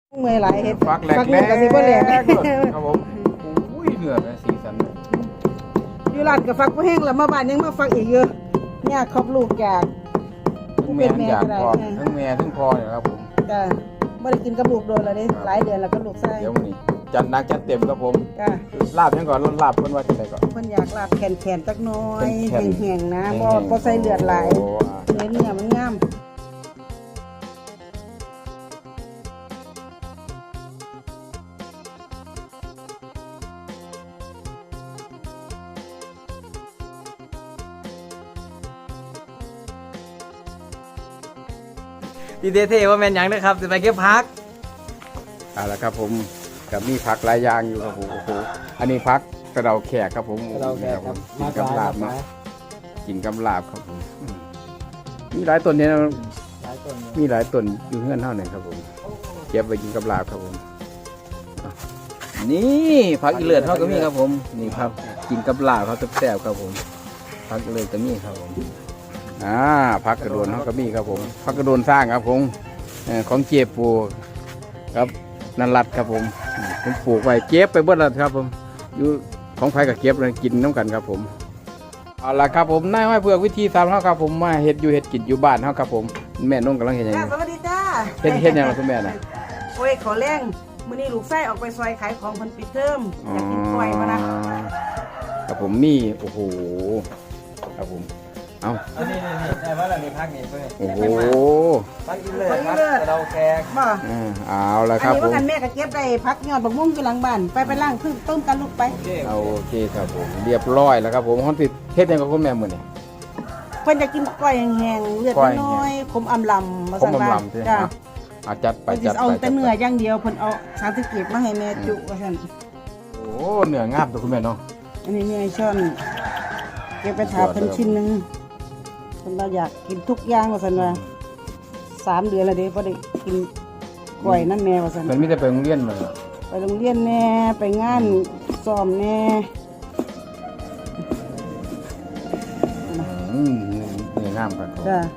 เมื่อยหลายเห็ดฟักแหลกเนื้อกับสิบ่แหลกครับผมอุ้ยเนื้อแบบสีสันอยู่ร้านกับฟักบ่แห้งแล้วมาบ้านยังมาฟักอีกเยอะเนี่ยครอบลูกจากทั้งแม่ทั้งอยากพอทั้งแม่ทั้งพอเนี่ยครับผมจ้ะบ่ได้กินกับลูกโดนแล้วเด้หลายเดือนแล้วก็ลูกไส้เดี๋ยววันนี้จัดหนักจัดเต็มครับผมจ้ะลาบยังก่อนลาบเพิ่นว่าจังไดก่อนเพิ่นอยากลาบแขนๆจักหน้อยแข็งแห้งๆนะแห้บ่งๆบ่ใส่เลือดหลายโอ้เนื้อมันงามดีเท่ๆว่าแมนยังนะครับจะไปเก็บพักเอาละครับผมกับมีผักหลายอย่างอยู่ครับผมโอ้โหอันนี้ผักกระเดาแขกครับผมเราแกครับกินกับลาบมากินกับลาบครับผมมีหลายต้นเนี่ยนะหลายต้นมีหลายต้นอยู่เฮือนเท่านั้นครับผมเก็บไว้กินกับลาบครับผมนี่ผักอีเลือดเท่าก็มีครับผมนี่ครับกินกับลาบเขาแซ่บๆครับผมผักอีเลือดก็มีครับผมผักกระโดนเท่าก็มีครับผมผักกระโดนสร้างครับผมของเจี๊ยบปูครับนันรัดครับผมผมปลูกไว้เก็บไปเบิดแล้วครับผมอยู่ของไผ่กับเก็บเลยกินน้ำกันครับผมเอาละครับผมนายห้อยเผือกวิธีทำเขาครับผมมาเฮ็ดอยู่เฮ็ดกินอยู่บ้านเขาครับผมแม่นุ่งกำลังเฮ็ดหยังจ้าอยู่สวัสดีจ้าเฮ็ดหยังล่ะคุณแม่น่ะโอ้ยขอแรงมื้อนี้ลูกไส้ออกไปซอยขายของเพิ่นปิดเทอมอยากกินกล้วยมานะครับผมนี่โอ้โหครับผมเอาอันนี้แต่ว่าเรามีพักนี่เพื่อนโอ้โหพักอินเลยครับเราแกกบ่เอาละอันครับนี้ผว่าม กันแม่ก็เก็บได้พักยอดบักม่วงอยู่หลังบ้านไปล้างพึ่งต้มกันลูกไปเอาโอเคครับผมเรียบร้อยแล้วครับผมฮอนติดเฮ็ดหยังกับคุณแม่มื้อนี้เพิ่นจะกินกล้อยแห้งๆเลือดกล้อยแห้งน้อยๆคมอำลำมาผมสั่งบ้านลำๆใช่ไหมจ้าเอาจัดไปเพิ่นสิจัดเอาไปแต่เนื้ออย่างเดียวเพิ่นเอาสารสเก็บมาให้แม่จุว่าซั่นโอ้เนื้องามตัวคุณแม่เนาะอันนี้เนื้อช่อนเก็บไปถาเพิ่นชิ้นหนึงเพิ่นว่าอยากกินทุกอย่างว่าซั่นว่า3 เดือนแล้วเด้บ่ได้กินกล้วยนั่นแน่ว่าซั่นมันมีแต่ไปโรงเรียนมาไปโรงเรียนแน่ไปงานซ้อมแน่เนื้องามครับจ้า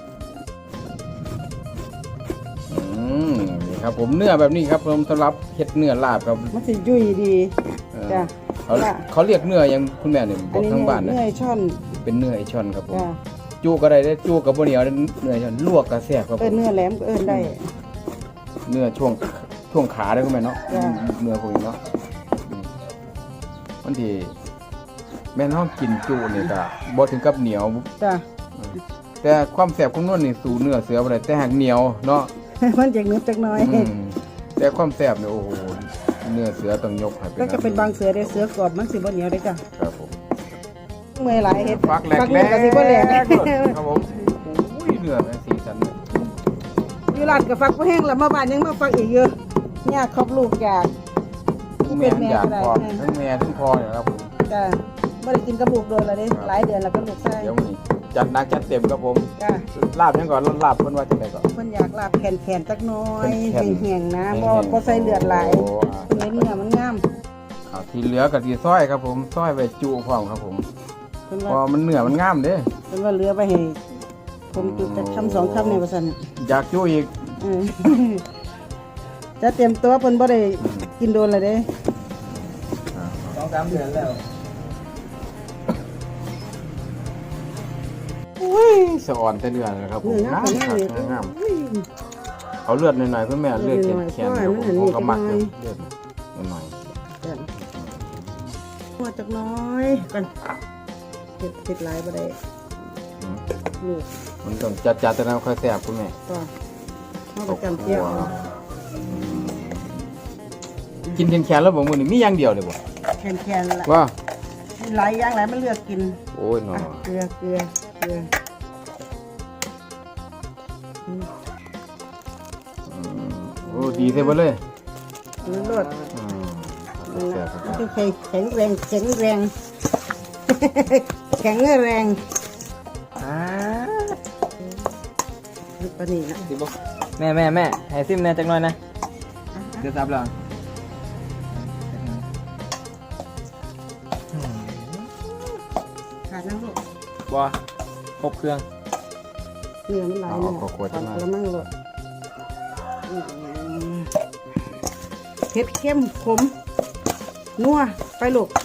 นี่ครับผมเนื้อแบบนี้ครับผมสำหรับเฮ็ดเนื้อลาบครับมันสิยุ่ยดีเออจ้าเขาเรียกเนื้อยังคุณแม่เนี่ยบอัอน กนี้ทั้งบ้านนะเนื้อช่อนเป็นเนื้อไอช่อนครับผมจ้าจูก็ได้จูกับบ่เหนียวเนื้อช่อนลวกก็แซ่บครับผเอิ้นมเนื้อแหลมก็เอิ้นได้เนื้อช่วงขาได้คุณแม่เนาะจ้ะเนื้อพวกนี้เนาะบางทีแม่นเฮากินจูนี่ก็บ่ถึงกับเหนียวจ้าแต่ความแซ่บของนวลนี่สู่เนื้อเสือบ่ได้แต่หากเหนียวเนาะมันจะเนื้อจักหน้อยแต่ความแซ่บเนี่ยโอ้โหเนื้อเสือต้องยกให้ก็จะเป็นบางเสือได้เสือกรอบมันสิบ่เหนียวได้จ้ะครับผมเมื่อยหลายเห็ดฟักแหลกเนื้อกับสิบ่แหลกครับผมอุ้ยเนื้อแบบสีสันเลยอยู่ร้านกับฟักบ่แห้งแล้วมาบ้านยังมาฟักอีกเยอะเนี่ยครอบลูกจากทั้งแม่ทั้งอยากเป็นแม่พอก็ได้ทั้งแม่ทั้งพอเนี่ยครับผมจ้าบ่ได้กินกับลูกโดนแล้วเด้หลายเดือนแล้วก็ลูกไส้เดี๋ยววันนี้จัดหนักจัดเต็มครับผมจ้าลาบยังก่อนลาบเพิ่นว่าจังไดก่อนเพิ่นอยากลาบแขนๆจักหน้อยแข็งๆแห้งๆนะแห้บ่งๆบ่ใส่เลือดหลายโอ้เนื้อมันงามเอาที่เหลือก็สิซอยครับผมซอยไว้จุพร้อมครับผมเพิ่นเพว่าอมันเนื้อมันงามเด้เพิ่นว่าเหลือไปให้ผมจุดจักคำ2 คำนี่ว่าซั่นอยากจุอีกเออ จะเตรียมตัวเพิ่นบ่ได้กินโดนแล้วเด้ 2-3 เดือนแล้วอุ้ยสะอ่อนแต่เนื้อนะครับผมเนื้องามงามเลยครับงามเอาเลือดหน่อยๆคุณแม่เลือดแข็งๆครับผมผมก็มักเลยเลือดหน่อยหัวจักหน้อยกันเผ็ดหลายบ่ได้ๆอืมลูกมันต้องจัดแต่แล้วค่อยแซ่บคุณแม่ก็เฮาก็จำเจียวเอากินแข็งๆแล้วบ่มื้อนี้มีอย่างเดียวเลยบ่แคนๆละว่ามีหลายอย่างหลายมันเลือกกินโอ้ยหนออ่ะเกลือโอ้ดีเสียบ่เลยมันรสอืมมันแซ่นะบครับมันคือแข็งแรงแข็งแรง แข็งแรงปานนี้นะสิบ่แม่ให้ซิมแน่จักหน่อยนะเดี๋ยวซับแล้วขาดน้ำลูกบ่ครบเครื่องเนื้อมันหลายเนื้อขอดแล้วมั่งลูกผ็ดเข้มขมนัวไปลูก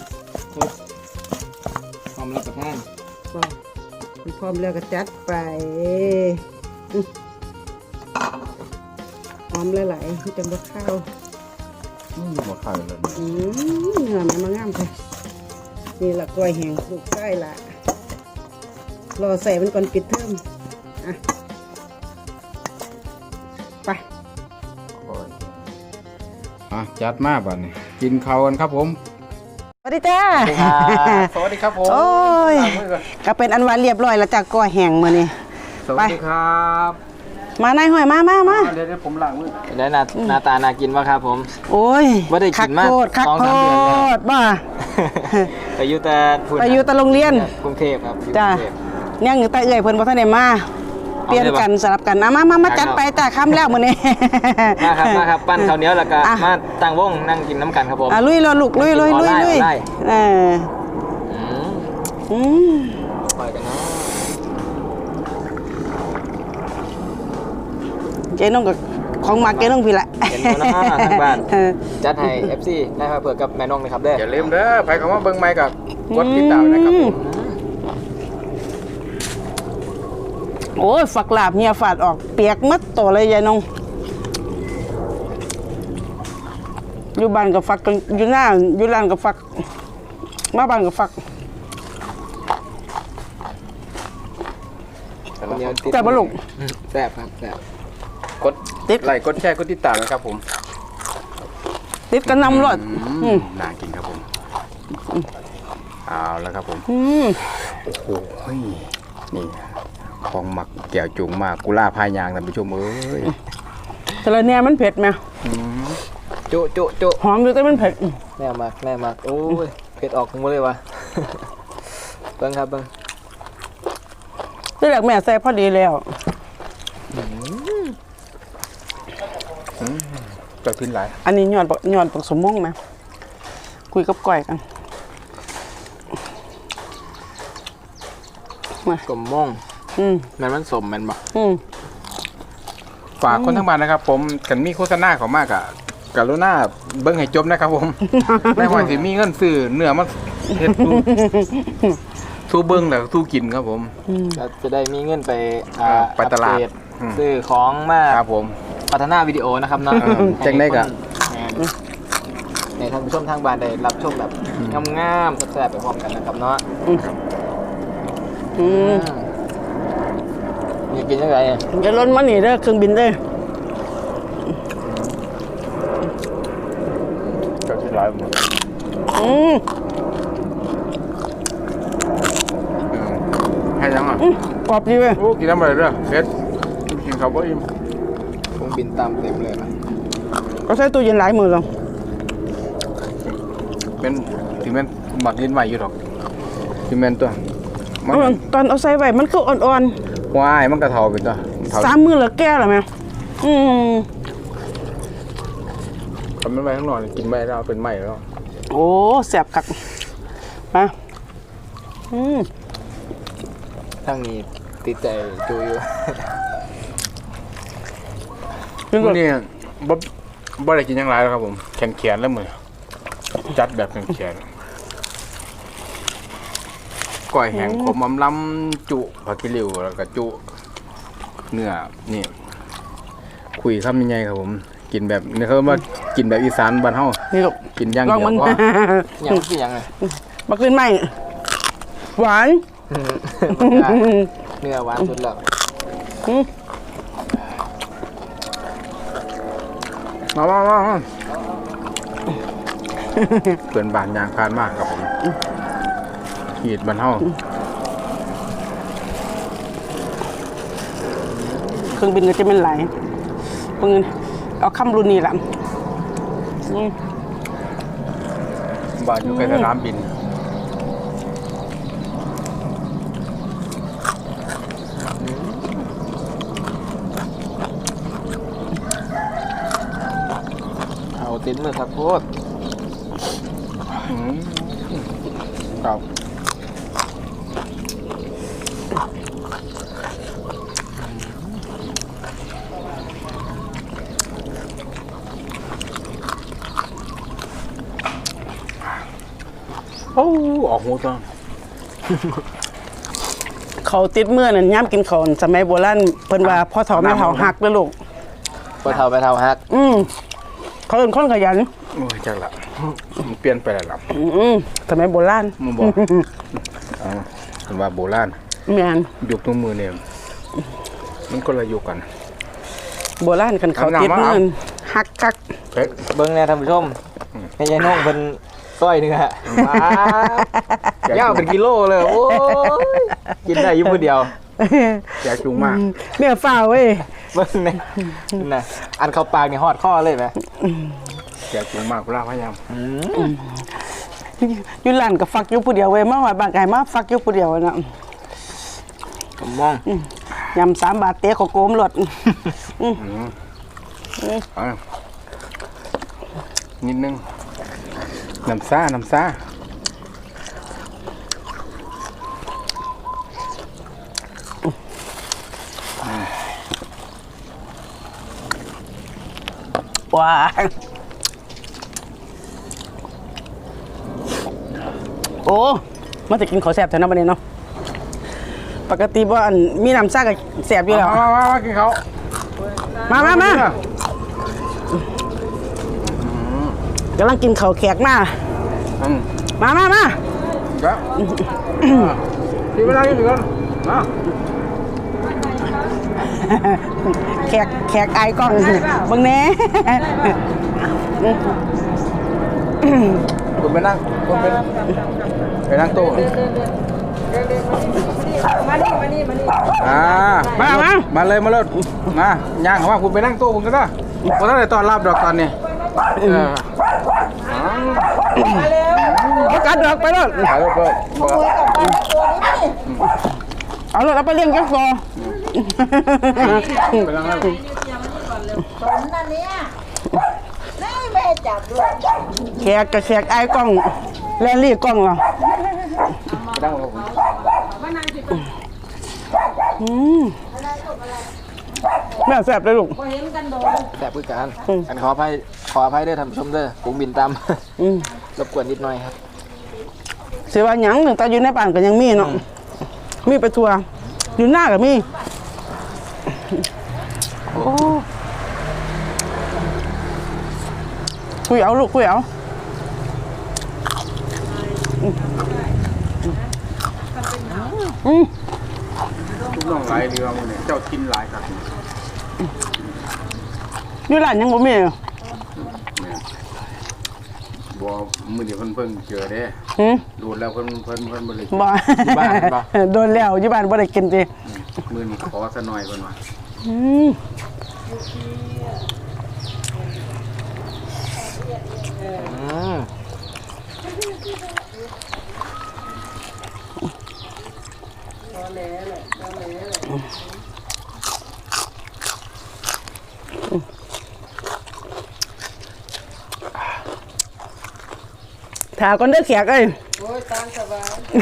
พร้อมรับประทานก็พร้อมแล้วก็จัดไปหอมหลายๆที่จะมาข้าวหมดข้าวเลยเนื้อมันมางามค่ะนี่ละกล้วยแห้งลูกไส้ละรอใส่มันก่อนปิดเทอมอ่ะไปจัดมาบัดนี้กินข้าวกันครับผมสวัสดีจ้าสวัสดีครับผมโอ้ยล้างมือก่อนก็เป็นอันว่าเรียบร้อยแล้วจากกล้วยแห้งมื้อนี้สวัสดีครับมานายห้อยมาเดี๋ยวผมล้างมือได้หน้าตาน่ากินป่ะครับผมโอ้ยบ่ได้กินมาคักโค 2-3 เดือนแล้วตรบ้าไปอยู่แต่พุ่นไปอยู่แต่โรงเรียนกรุงเทพครับอยู่จ้ากรุงเทพยังอยู่แต่เอื่อยเพิ่นบ่ทันได้มาเปลี่ยนกันสลับกันมาจัดไปจ้าค่ำแล้วมื้อนี้มาครับปั้นข้าวเหนียวแล้วก็อ่ะมาตั้งวงนั่งกินน้ำกันครับผมลุยเลยลูกลุยออนไลน์เอออืมอืมปล่อยกันเนาะเจ๊น้องกับของมาเจ๊น้องพี่ละเห็นตัวน้าทางบ้านเออจัดให้ FC ได้ครับเผื่อกับแม่น้องนะครับเด้ออย่าลืมเด้อไปคำว่าเบิ่งไม้กับกดติดตามนะครับผมโอ้ยฝักลาบเฮียฝาดออกเปียกมัดตัวเลยยายนงอยู่บ้านกับฝักกันอยู่หน้าอยู่ร้านกับฝักมาบ้านกับฝักข้าวเหนียวติดแต่บลุกแซ่บครับแซ่บกดไลค์กดแชร์กดติดตามนะครับผมติดกันนำรถน่ากินครับผมเอาแล้วครับผม โอ้โหนี่ของหมักแก้วจุงมากกุล่าพายางท่านผู้ชมเอ้ยแต่ละเนี่ยมันเผ็ดไหมจุหอมอยู่แต่มันเผ็ดแน่มากโอ้ยเผ็ดออกหมดเลยวะ เบิ่งครับเบิ่งที่แรกแม่ใส่พอดีแล้วจะขึ้นหลายอันนี้ย้อนปักสมมงไหมคุยกับก้อยกันมากลมม่วงอืมมันสมมันบ่ฝากคนทั้งบ้านนะครับ ผมกันมีโฆษณาเขามากอะกรุณาเบิ้งให้จบนะครับผม ในหอยสิมีเงินซื้อเนื้อมันเฮ็ดสู้เบิ้งแล้วสู้กินครับผมจะได้มีเงินไปไปตลาดอัปเกรซื้อของมาครับผมพัฒนาวิดีโอนะครับเนาะจังได้กะให้ท่านผู้ชมทางบ้านได้รับชมแบบงามๆแซ่บๆไปพร้อมกันนะครับเนาะอยากกินยังไงอ่ะจะล้นมาหนีเด้อเครื่องบินเด้อก็ที่ร้ายหมดให้ยังอ่ะกรอบดีเว้ยโอ้กินน้ำอะไรเด้อเฮ็ดกินข้าวบ่อิ่มคงบินตามเต็มเลยนะก็ใช้ตู้เย็นหลายมือแล้วเป็นที่แม่นหมักดินไว้อยู่ดอกที่แม่นตัวมันตอนเอาใส่ไว้มันคืออ่อนวายมันกระเทาไปตัวเทาๆ3 มือแล้วแก่แล้วแม่ทำมันไว้ข้างนอกกินไม่ได้เอาเป็นไหม้แล้วโอ้แซ่บคักมาทั้งนี้ติดใจจูอยู่มื้อนี้บ่ได้กินหยังหลายแล้วครับผมแขนๆแล้วมื้อจัดแบบแขนๆก้อยแห้งขมอำลำจุผักกิริวแล้วก็จุเนื้อนี่คุยคำยังไงครับผม กินแบบนี่เขามากินแบบอีสานบ้านเฮานี่ลูกกินอย่างลองเดียวมันพอยังคือยังไงมาขึ้นไหมหวานเนื้อหวานสุดแล้วมาเพื่อนบ้านยางพานมากครับผมขีดบ้านเฮาเครื่องบินก็จะเป็นไหลเพิ่งเอาคำรุ่นนี้แหละบ้านอยู่ใกล้สนามบินเอาติดมือครับโคตรครับโอ้ออกหูต้องเขาติดเมื่อนั่นย่ำกินเขาวสมัยโบราณเพิ่นว่าพ่อเฒ่าแม่เฒ่าหักเด้อลูกพอเท่าไปเท่าฮักเขาเป็นคนขยันโอ้ยจังละมันเปลี่ยนไปแล้วล่ะสมัยโบราณมันบอกเอาเป็นว่าโบราณแม่นยุคตัวมือเนี่ยมันก็ละยุคกันโบราณกันเขาติดเมื่อนั่นหักคักเผ็ดเบิ้งแน่ท่านผู้ชมให้ยายน้องเพิ่นก้อยหนึงฮะมาย่างเป็นกิโลเลยโอ้ยกินได้อยู่ผู้เดียวแจกจุงมากเนี่ยฝ้าเว้ยเบิ้งแน่น่ะอันเข้าปากนี่ฮอดข้อเลยไหมแจกจุงมากเวลาพยายามอยู่ร้านก็ฟักอยู่ผู้เดียวเว้ยมาว่าบางไก่มาฟักอยู่ผู้เดียวน่ะผมมองยำ3 บาทเตะเขาโกมรถเอานิดนึงน้ำซ่าว้าโอ้มันจะกินข้าวแซ่บแถวนั้นบัดนี้เนาะปกติบ่อันมีน้ำซ่าก็แซ่บอยู่แล้วมากินเขามากำลังกินข้าวแขกมามาครับที่เวลาอยู่กันมาแขกไอ้กล้องเบิ่งแหน่คุณไปนั่งไปนั่งโต๊ะมาเลยมาย่างเขาว่าคุณไปนั่งโต๊ะคุณก็ได้ผมต้องได้ต้อนรับดอกตอนนี้ประกาศดอกไปแล้วถ่ายรูปเลยเอาเลยเอาไปเลี้ยงแก๊กซอไปนั่งนั่งสมนั่นเนี่ยแม่จับด้วยแขกกับแขกไอ้กล้องแลนลี่กล้องเหรอไปนั่งกับผมแม่แซ่บเลยลูกแต่พูดกันอันขออภัยด้วยท่านผู้ชมเด้อกุ้งบินตามรบกวนนิดหน่อยครับเสียว่าหยังหนึ่งตาอยู่ในบ้านก็ยังมีเนาะมีไปทัวร์อยู่หน้าก็มีโอ้คุยเอาลูกคุยเอาทุกน้องหลายเรือมันเนี่ยเจ้ากินหลายครับอยู่ร้านยังบ่มีเหรอบัวมือเดียวเพิ่งเจอเด้หืมดูแล้วเพิ่นบริบ่โดนแล้วอยู่บ้านบ่ได้กินติมือนี้ขอซะหน่อยเพิ่นว่าถาก่อนเด้อแขกเอ้ยโอ้ยตามสบาย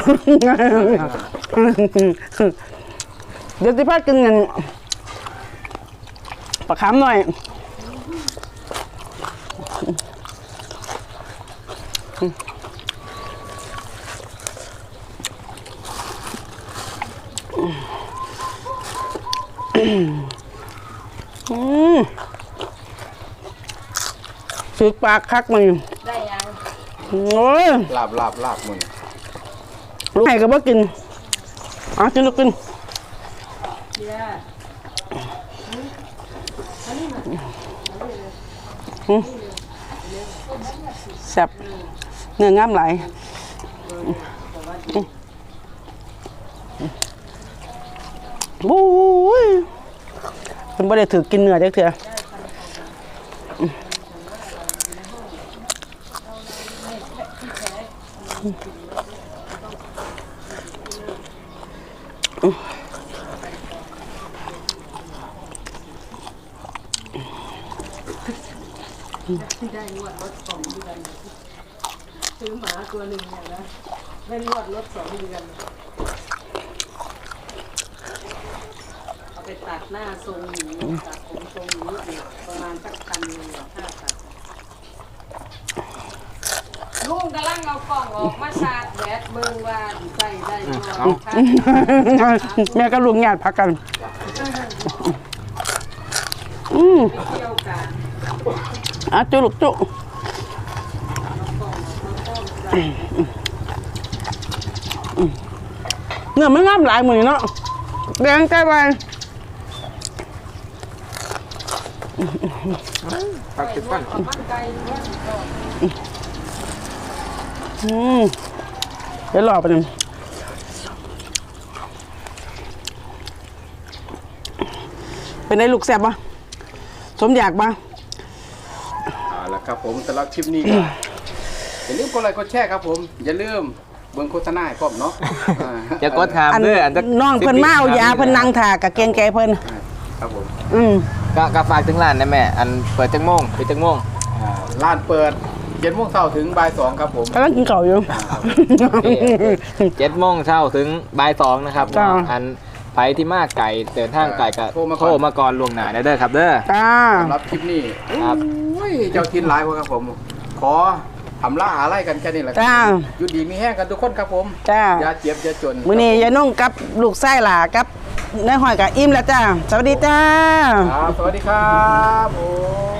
เดี๋ยวสิพากินกันปลาขามหน่อยสึกปากคักมันได้ยังโอ้ยลาบมือลูกให้ก็บ่กินเอากินลูกกินแซ่บเนื้องามหลายบู๊ยมันบ่ได้ถือกินเนื้อจักเทื่อซื้อหมาตัวหนึ่งเนี่ยนะได้นวดรถ2 เดือนเอาไปตัดหน้าทรงหมูตัดผมทรงหมูอีกประมาณสัก1,000 ค่าตัดลุงกำลังเอากล่องออกมาชาร์จแบตเบิ่งว่าใส่ได้บ่แม่ก็ลุงญาติพักกันเกี่ยวกันจุลูกจุเนื้อมันงามหลายมือนี่เนาะแดงใจไปพักติดฟันมันไกลว่าสิก่อนเดี๋ยวรอไปหนึ่งเป็นไงลูกแซ่บปะสมอยากปะเอาละครับผมสำหรับคลิปนี้ก็อย่าลืมกดไลค์กดแชร์ครับผมอย่าลืมเบิ่งโฆษณาให้พร้อมเนาะอย่ากดถามเด้ออันจะน้องเพิ่นมาเอายาเพิ่นนั่งถ่ากับเกรงใจเพิ่นครับผมก็ฝากถึงร้านนะแม่อันเปิดจังโมงปิดจังโมงร้านเปิด7 โมงเช้าถึงบ่าย 2ครับผมกำลังกินข้าวอยู่ 7 โมงเช้าถึงบ่าย 2นะครับจ้าอันไปที่มาไก่เดินทางไก่ก็โทรมาก่อนล่วงหน้าได้เด้อครับเด้อจ้าสำหรับคลิปนี้ครับโอ้ยเจ้าทินหลายกว่าครับผม ขอทำล่าอะไรกันแค่นี้แหละจ้าอยู่ดีมีแห้งกันทุกคนครับผมจ้าอย่าเจ็บอย่าจนมื้อนี้ยายนุ่งกับลูกไส้หล่ากับนายหอยกับอิ่มแล้วจ้า สวัสดีจ้าครับสวัสดีครับผม